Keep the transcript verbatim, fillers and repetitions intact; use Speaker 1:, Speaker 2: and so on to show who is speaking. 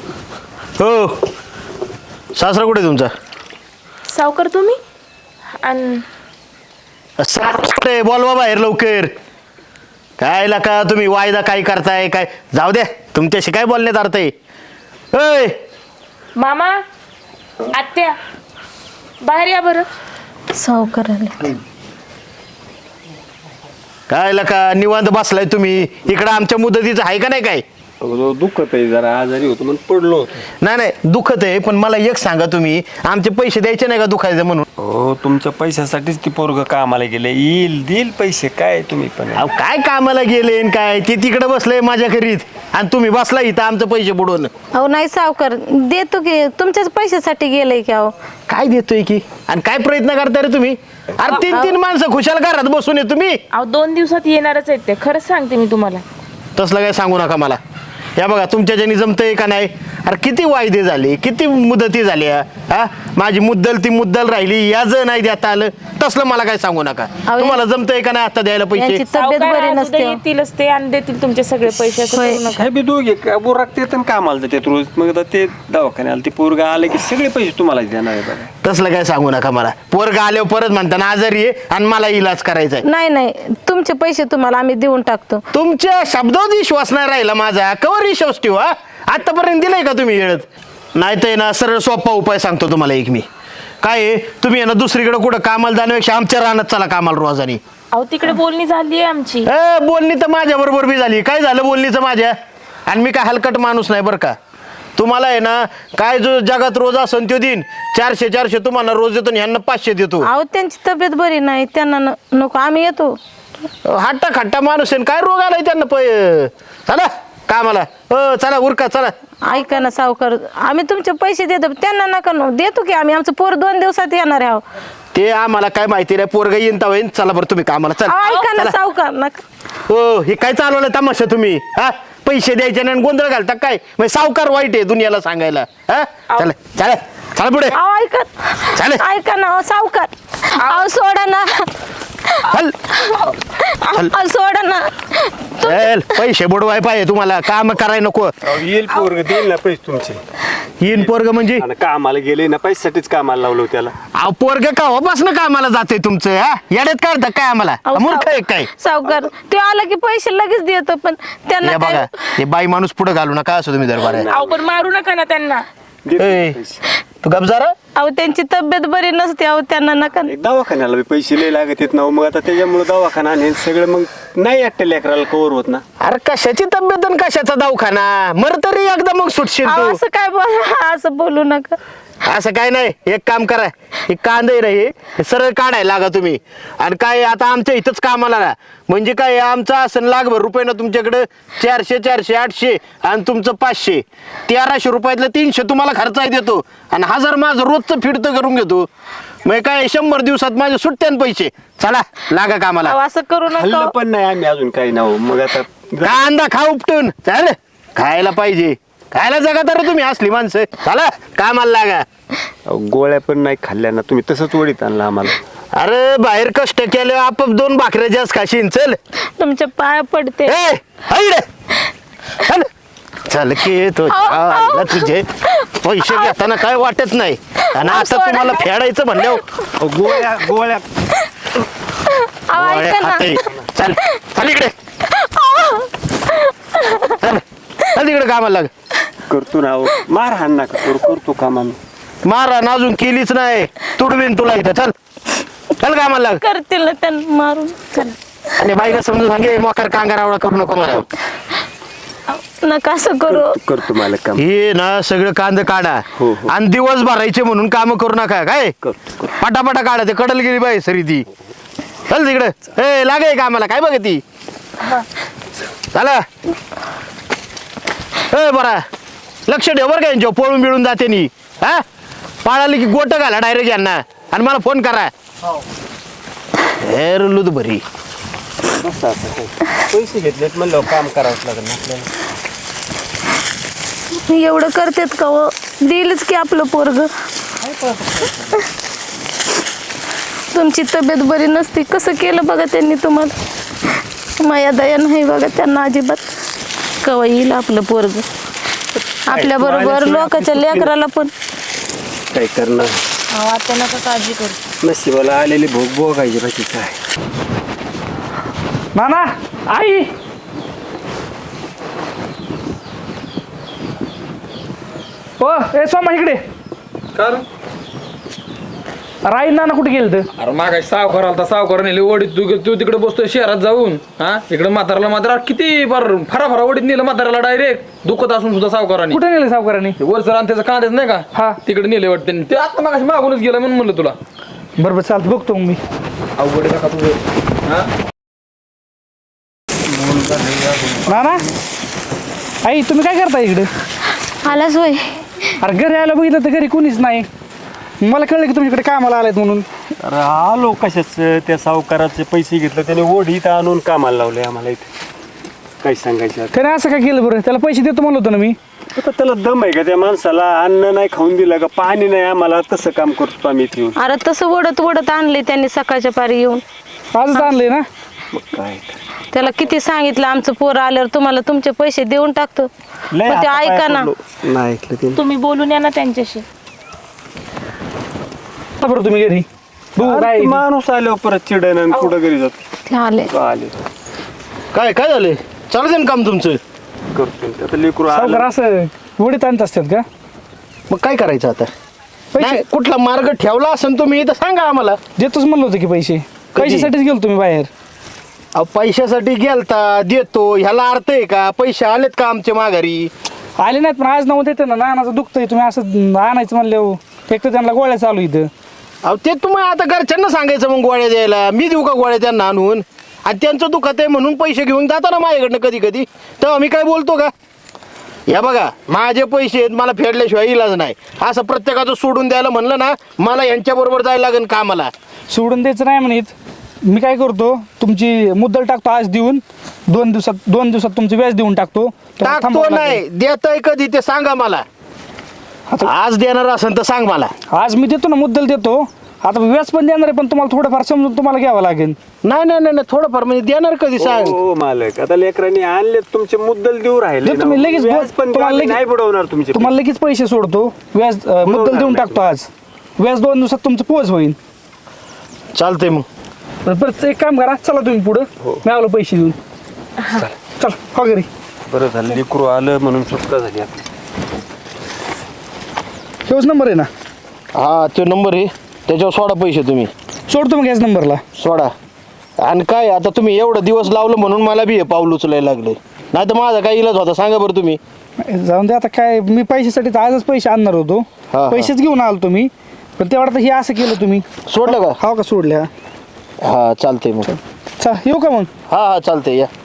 Speaker 1: हो सासरा कुठे तुमचा?
Speaker 2: सावकार तुम्ही आणि
Speaker 1: सासरे बोलवा बाहेर लवकर. काय लका तुम्ही वायदा काय करताय काय? जाऊ द्या तुमच्याशी काय बोलण्यात अर्थ आहे. ओय
Speaker 2: मामा आत्या बाहेर या बरं.
Speaker 3: सावकार आले.
Speaker 1: काय लका निवांत बसलाय तुम्ही इकडं? आमच्या मुदतीचं आहे का नाही काय?
Speaker 4: दुखत आहे जरा आजारी होतो म्हणून पडलो होतो.
Speaker 1: नाही नाही दुखत आहे पण मला एक सांगा तुम्ही आमचे पैसे द्यायचे नाही का दुखायचं म्हणून?
Speaker 4: हो तुमच्या पैशासाठीच ती पोरग कामाला गेले. येईल देईल पैसे काय तुम्ही पण.
Speaker 1: अहो काय कामाला गेले न काय? ते तिकडे बसलंय माझ्या घरीत आणि तुम्ही बसला इथं आमचं पैसे बुडवून.
Speaker 3: अहो नाही सावकार देतो की तुमच्याच पैशासाठी गेलंय की. अहो
Speaker 1: काय देतोय की आणि काय प्रयत्न करताय रे तुम्ही? अरे तीन तीन माणसं खुशाल घरात बसून आहे तुम्ही.
Speaker 2: अहो दोन दिवसात येणारच आहेत ते. खरंच सांगते मी तुम्हाला.
Speaker 1: तसलं काय सांगू नका मला. या बघा तुमच्या ज्यानी जमतंय का नाही? अरे किती वायदे झाले किती मुदती झाल्या. हा माझी मुद्दल ती मुद्दल राहिली याच नाही देता आलं. तसलं मला काय सांगू नका. तुम्हाला जमतंय का नाही आता द्यायला पैसे?
Speaker 3: यांची तब्येत
Speaker 2: सावकार
Speaker 3: बरी
Speaker 2: आज
Speaker 3: नसते.
Speaker 2: उद्या येतीलच ते आणि देतील तुमचे सगळे पैसे. असं
Speaker 3: होय.
Speaker 2: करू नका.
Speaker 4: काय बी दोघे बुराक ते कामाला जातात रोज. मग आता ते दवाखान्याला ते पोरग आले की सगळे पैसे तुम्हाला देणार आहे बघा.
Speaker 1: तसलं काय सांगू नका मला. पोरगा आल्यावर परत म्हणताना आजारी आहे आणि मला इलाज करायचा आहे.
Speaker 3: नाही नाही तुमचे पैसे तुम्हाला आम्ही देऊन टाकतो.
Speaker 1: तुमच्या शब्दावर विश्वास नाही राहिला माझा. कवर विश्वास ठेवू? हा आतापर्यंत दिलाय का तुम्ही येळत? नाही तर ना सरळ सोपा उपाय सांगतो तुम्हाला एक मी. काय आहे, तुम्ही आहे ना दुसरीकडे कुठं कामाला जाण्यापेक्षा आमच्या रानात चला कामाला रोजानी.
Speaker 2: अहो तिकडे बोलणी झाली आहे आमची.
Speaker 1: ए बोलणी तर माझ्या बरोबर बी झाली. काय झालं बोलणीचं माझ्या? आणि मी काय हलकट माणूस नाही बरं का. तुम्हाला आहे ना काय जो जगात रोज असन तो दिन चारशे चारशे तुम्हाला रोज देतो आणि ह्यांना पाचशे देतो.
Speaker 3: अहो त्यांची तब्येत बरी नाही त्यांना न- नको आम्ही येतो.
Speaker 1: हट्टा खट्टा माणूस आहे. काय रोग आलाय त्यांना? पै चला कामाला. हो चला उरका चला.
Speaker 3: ऐका ना सावकार आम्ही तुमचे पैसे देतो त्यांना नका न- देतो की आम्ही. आमचं पोर दोन दिवसात येणार आहे. अहो
Speaker 1: ते आम्हाला काय माहिती नाही. पोरगा येईन तवा येईन. चला बरं तुम्ही कामाला चला.
Speaker 3: अहो, ऐका ना
Speaker 1: चला.
Speaker 3: सावकार नका.
Speaker 1: हो हे काय चालवलं तमाशा तुम्ही? हा पैसे द्यायचे नाही गोंधळ घालता काय? म्हणजे सावकार वाईट आहे दुनियाला सांगायला. हा चला चला चला पुढे
Speaker 3: अहो ऐका
Speaker 1: चालेल.
Speaker 3: ऐका ना अहो, सावकार अहो सोडा ना.
Speaker 1: चल
Speaker 3: अहो, सोडा ना.
Speaker 1: चल पैसे बुडवाय पाहिजे तुम्हाला. काम कराय नको.
Speaker 4: येईल पोरग देईल ना पैसे तुमचे.
Speaker 1: येईन पोरग म्हणजे?
Speaker 4: आणि कामाला गेले ना पैशासाठीच कामाला लावलं त्याला.
Speaker 1: अहो पोरग कावापासून कामाला जाते तुमचं? हा येड्यात काढता काय आम्हाला?
Speaker 3: अहो,
Speaker 1: मूर्ख आहे
Speaker 3: साव-
Speaker 1: काय?
Speaker 3: सावकार ते आला की पैसे लगेच देतो पण त्यांना
Speaker 1: हे बघा
Speaker 3: काय
Speaker 1: हे बाई माणूस पुढे घालू नका असं तुम्ही दरबार आहे.
Speaker 2: अहो पण मारू नका ना त्यांना.
Speaker 4: देतील
Speaker 1: ए,
Speaker 4: पैसे.
Speaker 1: तू गप जरा.
Speaker 3: अहो त्यांची तब्येत बरी नसते. अहो त्यांना नका.
Speaker 4: एक दवाखान्याला बी पैसे लय लागत येत ना. मग आता त्याच्यामुळे दवाखाना आणि हे सगळं मग नाही वाटतं लेकराला कवर होत ना.
Speaker 1: अरे कशाची तब्येत आणि कशाचा दवाखाना? मर तरी एकदा मग सुटशील
Speaker 3: अहो,
Speaker 1: तू.
Speaker 3: असं काय बोला असं बोलू नका.
Speaker 1: असं काय नाही. एक काम करा हे कांदे नाही हे सरळ काढायला लागा तुम्ही. आणि काय आता आमच्या इथंच कामाला ना म्हणजे काय आमचं असं लाखभर रुपये ना तुमच्याकडे चारशे चारशे आठशे आणि तुमचं पाचशे तेराशे रुपयातलं तीनशे तुम्हाला खर्चाय देतो आणि हजार माझं रोजचं फिरतं करून घेतो. मग काय शंभर दिवसात माझे सुट्ट्यान पैसे. चला लागा कामाला.
Speaker 3: अहो, असं करू
Speaker 4: खाल्लं
Speaker 3: नका.
Speaker 4: पण नाही आम्ही अजून काही ना हो. मग आता
Speaker 1: कांदा खा उपटून. चाल खायला पाहिजे. खायला जगा तर तुम्ही असली माणसं. चला कामाला लागा.
Speaker 4: अहो, गोळ्या पण नाही खाल्ल्या ना तुम्ही. तसंच वडीत आणलं आम्हाला.
Speaker 1: अरे बाहेर कष्ट केले आपोआप दोन भाकऱ्या जास्त खाशीन. चल
Speaker 3: तुमच्या पाया पडते.
Speaker 1: ए हायडे. चल चल की तो आईला तुझे पैसे घेताना काय वाटत नाही आणि आता तुम्हाला फेडायचं म्हणल्यावर
Speaker 4: अहो, गोळ्या गोळ्या
Speaker 3: अहो,
Speaker 1: गोळ्या
Speaker 3: ऐका ना.
Speaker 1: खाते. चल चल इकडे. चल चल इकडे कामाला लाग.
Speaker 4: करतो ना अहो. मार हाण नका करू. करतो काम आम्ही.
Speaker 1: मारा ना अजून केलीच नाही. तुडवीन तुला इथं. चल चल कामाला लाग.
Speaker 3: करतील ना त्यांना मारून.
Speaker 1: आणि बाईला समजून सांगे मोकार कांगारावळा करू नको मला.
Speaker 3: नका असं करू.
Speaker 4: करतो मला काम.
Speaker 1: हे ना सगळं कांद काढा
Speaker 4: हो, हो.
Speaker 1: आणि दिवस भरायचे म्हणून काम करू नका. काय
Speaker 4: करतो
Speaker 1: पटापटा काढा. ते कडल गेली बाई सरी ती. चल तिकडे. ए लागे कामाला काय बघ ती. चला ए बरा लक्ष ठेव बरं का यांच्या पळून बिळून जाते नी. हा पाळाली की गोट घाला डायरेक्ट यांना आणि मला फोन करा. हे रुल्लू तू बरी.
Speaker 4: पैसे घेतलेत म्हणलं काम करावंच लागेल आपल्याला.
Speaker 3: एवढं करतेत का हो? देईलच की आपलं पोरग. तुमची तब्येत बरी नसती कसं केलं बघा त्यांनी तुम्हाला. माया दया नाही बघा त्यांना अजिबात. कवा येईल आपलं पोरग. आपल्या बरोबर लोकांच्या लेकराला पण
Speaker 4: काय करणार
Speaker 2: अहो आता नका काळजी करू.
Speaker 4: नशिबाला आलेली भोग भोगायची बाकी काय.
Speaker 5: नाना आई ओ ए सोमा इकडे राई नाना कुठे गेलं तर
Speaker 6: अरे मागा सावकार आलता सावकार नेले ओढीत तू तू तिकडे बसतोय शहरात जाऊन हा इकडे म्हाताराला म्हातारा किती बार फरा फरा ओढीत नेलं म्हाताराला डायरेक्ट दुखत असून सुद्धा सावकाराने
Speaker 5: कुठे नेले सावकारांनी
Speaker 6: वरचं रान त्याचं कांद्याच नाही का
Speaker 5: हा.
Speaker 6: तिकडे नेले वाटते ते आता मागाशी मागूनच गेला म्हणून म्हणलं तुला
Speaker 5: बरोबर चालतं बघतो मग मी
Speaker 6: अवघड आहे का तुझं हा
Speaker 5: नाना आई तुम्ही काय करता इकडे
Speaker 3: आलाच होय.
Speaker 5: अरे घरी आलं बघितलं तर घरी कोणीच नाही मला कळलं की तुमच्याकडे कामाला आलायत म्हणून.
Speaker 4: अरे आलो कशाच त्या सावकाराचे पैसे घेतले त्याने ओढीत आणून कामाला लावले आम्हाला इथे. काय सांगायचं आता.
Speaker 5: त्याने असं काय केलं बरं त्याला पैसे देतो म्हणलं होतं ना मी.
Speaker 4: आता त्याला दम आहे का त्या माणसाला अन्न नाही खाऊन दिलं का पाणी नाही आम्हाला तसं काम करतो आम्ही इथे येऊन.
Speaker 3: अरे तसं ओढत ओढत आणले त्यांनी सकाळच्या पारी येऊन.
Speaker 5: आजच आणलंय ना.
Speaker 4: मग काय
Speaker 3: त्याला किती सांगितलं आमचं पोर आल्यावर तुम्हाला तुमचे पैसे देऊन टाकतो
Speaker 4: लय
Speaker 3: पण ते
Speaker 4: हातापाय
Speaker 3: ऐका ना.
Speaker 4: पडलो. नाही ऐकलं ते.
Speaker 2: तुम्ही बोलून या ना त्यांच्याशी.
Speaker 5: आता बरं तुम्ही घरी बघू
Speaker 4: अरे
Speaker 5: काय
Speaker 4: ते माणूस आल्यावर परत चिडण आणि कुठं घरी जातो.
Speaker 3: ते आले
Speaker 4: आले
Speaker 1: काय काय झालं चालू ना काम तुमचं?
Speaker 4: करतो आता लेकरू
Speaker 5: सावकार
Speaker 4: आलं.
Speaker 5: असं उडीत आणत असतात का
Speaker 1: मग काय करायचं आता?
Speaker 5: पैसे
Speaker 1: नाही, कुठला मार्ग ठेवला असेल तुम्ही तर सांगा आम्हाला.
Speaker 5: देतोच म्हणलं होतं की पैसे पैशासाठीच गेलो तुम्ही बाहेर.
Speaker 1: अहो पैशासाठी गेलता देतो ह्याला अर्थ आहे का? पैसे आलेत का आमच्या माघारी?
Speaker 5: आले नाहीत पण आज नाव देते ना नानाचं दुखतंय तुम्ही असं आणायचं म्हणलं एक तर त्यांना गोळ्या चालू इथं.
Speaker 1: अहो ते तुम्ही आता घरच्यांना सांगायचं मग गोळ्या द्यायला. मी देऊ का गोळ्या त्यांना आणून? आणि त्यांचं दुखत आहे म्हणून पैसे घेऊन जाता ना माझ्याकडनं कधी कधी तेव्हा मी काय बोलतो का? या बघा माझे पैसे आहेत मला फेडल्याशिवाय इलाज नाही. असं प्रत्येकाचं सोडून द्यायला म्हणलं ना मला यांच्याबरोबर जायला लागेल कामाला.
Speaker 5: सोडून द्यायचं नाही म्हणत मी काय करतो तुमची मुद्दल टाकतो आज देऊन दोन दिवसात दोन दिवसात तुमचं व्याज देऊन टाकतो. तेव्हा
Speaker 1: टाकतो
Speaker 5: थांबावं लागेल.
Speaker 1: नाही देताय कधी ते सांगा मला.
Speaker 5: आता
Speaker 1: आज देणार असेल तर सांग मला.
Speaker 5: आज मी देतो ना मुद्दल देतो आता व्याज पण देणार आहे पण तुम्हाला थोडंफार समजून तुम्हाला घ्यावं लागेल.
Speaker 1: नाही नाही नाही नाही, थोडंफार म्हणजे देणार कधी सांग.
Speaker 4: हो मालक आता लेकरांनी आणले तुमचे मुद्दल देऊ राहिले
Speaker 5: देतो मी
Speaker 4: ना.
Speaker 5: लगेच
Speaker 4: व्याज पण
Speaker 5: तुम्हाला
Speaker 4: आम्ही
Speaker 5: लगेच-
Speaker 4: नाही बुडवणार तुमचे
Speaker 5: तुम्हाला लगेच पैसे सोडतो व्याज अं, मुद्दल देऊन टाकतो आज व्याज दोन दिवसात तुमचं पोच होईल.
Speaker 1: चालतंय मग.
Speaker 5: तर परत एक काम करा चला तुम्ही पुढं मी आलो पैसे देऊन. चल हो घरी.
Speaker 4: बरं झालं लेकरू आलं म्हणून सुटका झाली आपली.
Speaker 5: हेच नंबर आहे ना
Speaker 1: हा तो नंबर आहे त्याच्यावर सोडा पैसे तुम्ही.
Speaker 5: सोडतो मग याच नंबरला.
Speaker 1: सोडा. आणि काय आता तुम्ही एवढं दिवस लावलं म्हणून मला बी हे पाऊल उचलायला लागले. नाही तर माझा काय इलाज होता सांगा बरं तुम्ही.
Speaker 5: जाऊन दे आता काय मी पैशासाठी तर आजच पैसे आणणार होतो
Speaker 1: हा.
Speaker 5: पैसेच घेऊन आलो तुम्ही पण तेवढा तर हे असं केलं तुम्ही.
Speaker 1: सोडलं का?
Speaker 5: हा का सोडल्या.
Speaker 1: हा चालतंय मग.
Speaker 5: चल येऊ का मग.
Speaker 1: हा हा चालतंय या.